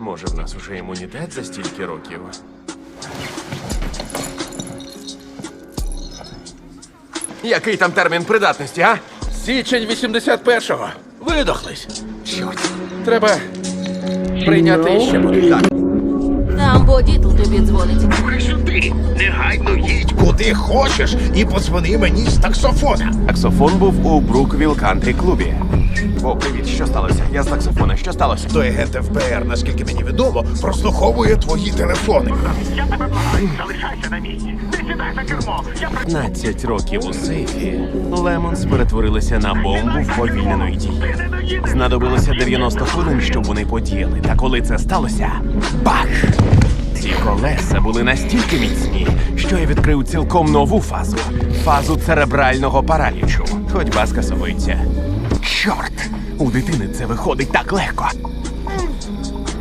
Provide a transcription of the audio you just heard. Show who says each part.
Speaker 1: Може, в нас уже імунітет за стільки років? Який там термін придатності, а?
Speaker 2: Січень 81-го. Видохлись.
Speaker 1: Чорт.
Speaker 2: Треба прийняти ще буде.
Speaker 3: Там Бодітл тобі дзвонить.
Speaker 4: Слухай сюди, негайно їдь куди хочеш і подзвони мені з таксофона.
Speaker 1: Таксофон був у Бруквіл Кантрі клубі. О, привіт, що сталося? Я з таксофона, що сталося?
Speaker 4: Той агент ФБР, наскільки мені відомо, прослуховує твої телефони.
Speaker 5: Я тебе благаю, залишайся на місці. Не сідай за кермо.
Speaker 1: 15 років у сейфі. Лемонс перетворилися на бомбу вповільненої дії. Знадобилося 90 хвилин, щоб вони подіяли. Та коли це сталося, бах! Ці колеса були настільки міцні, що я відкрив цілком нову фазу. Фазу церебрального паралічу. Ходьба скасовується. Чорт! У дитини це виходить так легко.